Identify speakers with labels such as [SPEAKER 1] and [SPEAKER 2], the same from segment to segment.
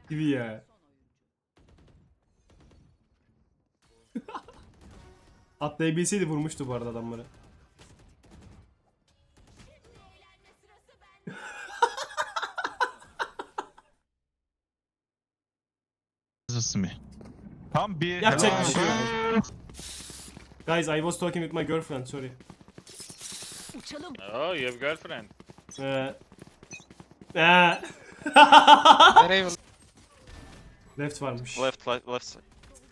[SPEAKER 1] Gibi ya. Atlayabilseydi vurmuştu bu arada adamları.
[SPEAKER 2] mi? Tam bir
[SPEAKER 1] Yapacak
[SPEAKER 2] helal.
[SPEAKER 1] bir şey yok. Guys, I was talking with my girlfriend, sorry.
[SPEAKER 3] Uçalım.
[SPEAKER 4] Oh, you have girlfriend.
[SPEAKER 1] Ee,
[SPEAKER 5] Nereye?
[SPEAKER 1] Left varmış.
[SPEAKER 5] Left side.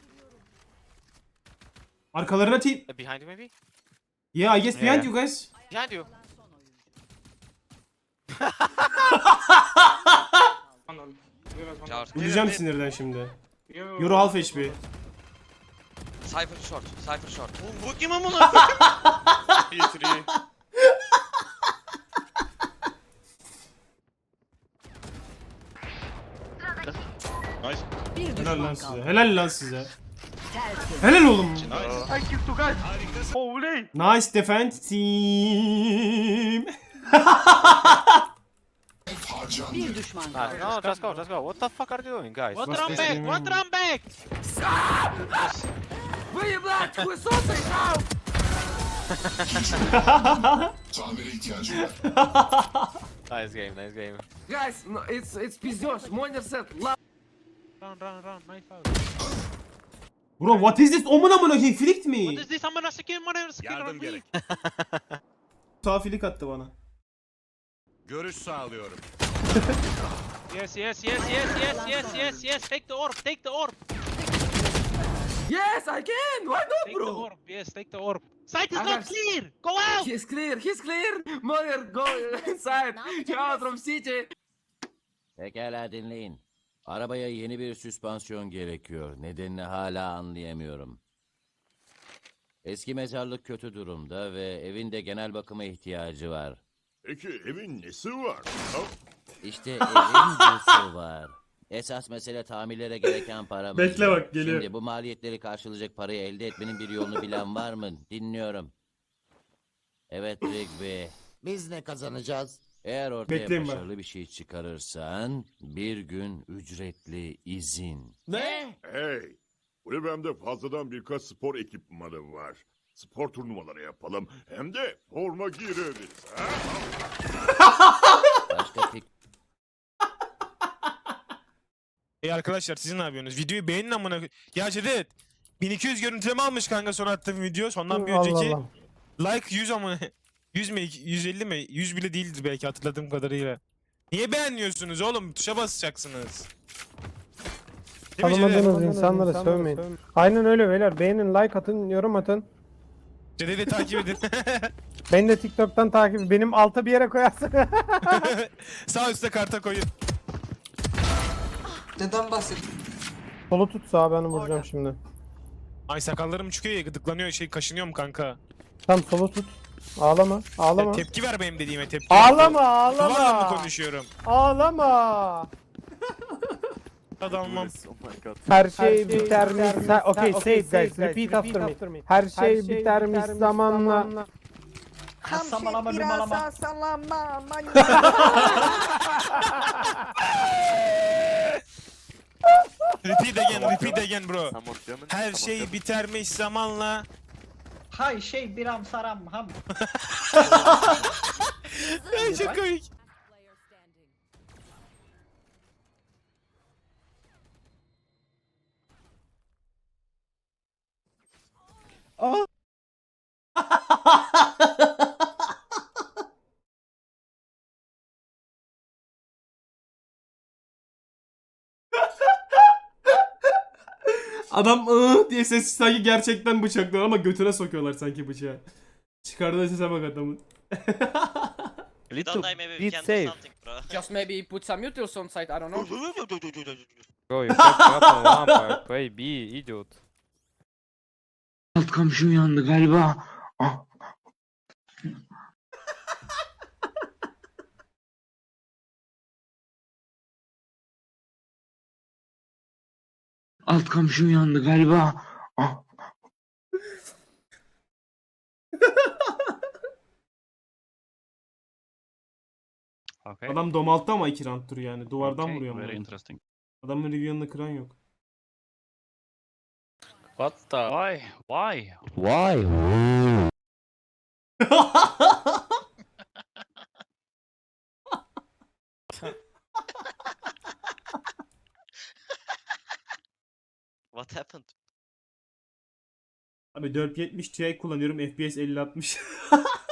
[SPEAKER 1] Arkalarına team.
[SPEAKER 5] Behind you maybe?
[SPEAKER 1] Yeah, I guess behind you guys.
[SPEAKER 5] Behind you.
[SPEAKER 1] Vuracağım sinirden şimdi. Euro half HP.
[SPEAKER 6] Cypher short, Cypher short.
[SPEAKER 5] Bu kim amına?
[SPEAKER 4] P3.
[SPEAKER 2] Nice.
[SPEAKER 3] Bir
[SPEAKER 1] Helal
[SPEAKER 3] düşman
[SPEAKER 1] lan
[SPEAKER 3] kaldı.
[SPEAKER 1] size. Helal lan size.
[SPEAKER 3] Tertemiz.
[SPEAKER 1] Helal oğlum.
[SPEAKER 4] Holy.
[SPEAKER 1] Nice defense team.
[SPEAKER 3] Bir düşman kaldı.
[SPEAKER 5] No, just go. What the fuck are you doing, guys?
[SPEAKER 1] What run back? What
[SPEAKER 5] run back?
[SPEAKER 7] Tamire ihtiyacım var.
[SPEAKER 5] Nice game.
[SPEAKER 8] Guys, no, it's пиздёж. Монер сет.
[SPEAKER 5] Run. Nice foul.
[SPEAKER 1] Bro, what is this? Omun amına koyayım, flicked mi?
[SPEAKER 5] What is this? Amına sikeyim, amına sikeyim.
[SPEAKER 9] Yardım gerek.
[SPEAKER 1] Sağ flick attı bana.
[SPEAKER 9] Görüş sağlıyorum.
[SPEAKER 5] Yes. Take the orb.
[SPEAKER 8] Yes, I can. Why not,
[SPEAKER 5] Take the
[SPEAKER 8] bro?
[SPEAKER 5] orb. Yes, take the orb. Sight is
[SPEAKER 8] I
[SPEAKER 5] not
[SPEAKER 8] got-
[SPEAKER 5] clear. Go out.
[SPEAKER 8] He's clear. Monер, go inside. You out from city.
[SPEAKER 10] Pekala dinleyin. Arabaya yeni bir süspansiyon gerekiyor. Nedenini hala anlayamıyorum. Eski mezarlık kötü durumda ve evin de genel bakıma ihtiyacı var.
[SPEAKER 9] Peki evin nesi var?
[SPEAKER 10] İşte evin busu var. Esas mesele tamirlere gereken para mı?
[SPEAKER 1] Bekle bak, geliyor.
[SPEAKER 10] Şimdi bu maliyetleri karşılayacak parayı elde etmenin bir yolunu bilen var mı? Dinliyorum. Evet Rigby. Biz ne kazanacağız? Eğer ortaya
[SPEAKER 1] Bekleyin bak.
[SPEAKER 10] başarılı bir şey çıkarırsan bir gün ücretli izin.
[SPEAKER 1] Ne?
[SPEAKER 9] Hey, kulübemde fazladan birkaç spor ekipmanı var. Spor turnuvaları yapalım. Hem de forma gireriz. Ha?
[SPEAKER 10] Başka fikir
[SPEAKER 11] Arkadaşlar siz ne yapıyorsunuz? Videoyu beğenin amına. Ya Cedet 1200 görüntüleme almış kanka son attığım video. Sondan bir önceki. Like 100 amına. 100 mi? 150 mi? 100 bile değildir belki hatırladığım kadarıyla. Niye beğenmiyorsunuz oğlum? Tuşa basacaksınız. Değil mi Cedet?
[SPEAKER 12] Tanımadığınız insanlara sövmeyin. Aynen öyle beyler. Beğenin, like atın, yorum atın.
[SPEAKER 11] Cedet'i takip edin.
[SPEAKER 12] Beni de TikTok'tan takip. Benim alta bir yere koyarsın.
[SPEAKER 11] Sağ üstte karta koyun.
[SPEAKER 8] Neden bahsediyorsun?
[SPEAKER 12] Solu tut sağa, ben vuracağım şimdi.
[SPEAKER 11] Ay sakallarım çıkıyor ya gıdıklanıyor kaşınıyorum kanka.
[SPEAKER 12] Tam solu tut. Ağlama. Ağlama.
[SPEAKER 11] Tepki ver benim dediğime tepki.
[SPEAKER 12] Ağlama,
[SPEAKER 11] Duvarla mı
[SPEAKER 12] ağlama.
[SPEAKER 11] konuşuyorum?
[SPEAKER 12] Ağlama.
[SPEAKER 11] Adamım.
[SPEAKER 12] Her şey biter mi? Okay, say it guys. Repeat after me. Her şey biter mi zamanla?
[SPEAKER 3] Sallama bir malama. Sallama.
[SPEAKER 11] Repeat again bro. Her şey bitermiş zamanla.
[SPEAKER 3] Hay şey biram saram ham.
[SPEAKER 11] Ay çok komik.
[SPEAKER 1] Adam diye ses sanki gerçekten bıçaklıyor ama götüne sokuyorlar sanki bıçağı. Çıkardığı sese bak adamın.
[SPEAKER 5] Don't die, maybe we can do something, bro.
[SPEAKER 8] Just maybe put some utils on site, I don't know.
[SPEAKER 5] Bro, you fucked up on one part. Play B, idiot.
[SPEAKER 8] Alt komşu uyandı galiba. Alt komşu uyandı galiba.
[SPEAKER 1] Adam domalttı ama 2 round'tur yani. Duvardan vuruyor.
[SPEAKER 2] Very
[SPEAKER 1] Ama.
[SPEAKER 2] interesting.
[SPEAKER 1] Adamın review'unda kıran yok.
[SPEAKER 4] What the? Why? Why?
[SPEAKER 6] What happened?
[SPEAKER 1] Abi 470 Ti kullanıyorum. FPS 50-60.